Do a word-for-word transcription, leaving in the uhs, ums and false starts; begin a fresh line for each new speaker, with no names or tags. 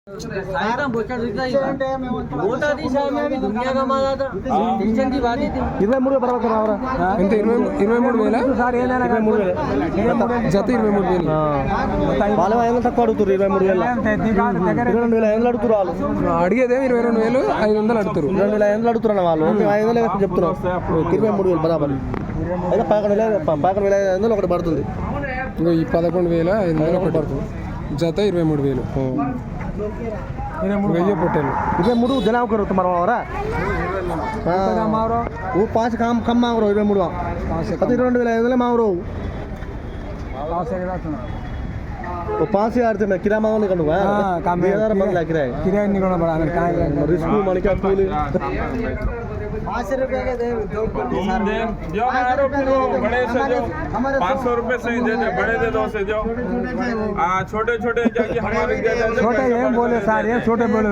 ఇరవై మూడు బరాబర్ రావరా ఎంత ఇరవై ఇరవై మూడు వేల ఇరవై మూడు వేల జత ఇరవై మూడు వేలు వాళ్ళు ఐదు వందలు తక్కువ అడుగుతారు ఇరవై మూడు వేల ఇరవై రెండు వేల ఐదు వందలు అడుగుతారు వాళ్ళు అడిగేదే ఇరవై రెండు వేలు ఐదు వందలు అడుగుతారు రెండు వేల ఐదు వందలు అడుగుతున్నారు వాళ్ళు ఐదు వందలు చెప్తున్నాం ఇరవై మూడు వేలు బరాబర్ అయితే పదకొండు వేల పదకొండు వేల ఐదు వందలు ఒకటి పడుతుంది ఇంకా ఈ పదకొండు వేల ఐదు వందలు ఒకటి పడుతుంది జత ఇరవై మూడు వేలు వెయ్యి పొట్టేలు ఇరవై మూడు జనాభా करो तुम्हारा वावरा वो पाँच काम कम मांग रहे हो इरवे मुड़वा पति రెండు వేల ఐదు వందలు मांग रहे हो वो पाँच हजार थे मैं किराया मांगने निकलूंगा काम में हजार बंद किराया किराया निकलना बड़ा हमें कहाँ रिस्क मन क्या फूल पाँच रुपये के दे दो
बड़े से जो पाँच सौ रुपये से दे दे बड़े दे दो से जो हाँ छोटे छोटे जाके हमारे छोटे ये बोले सारे छोटे बोले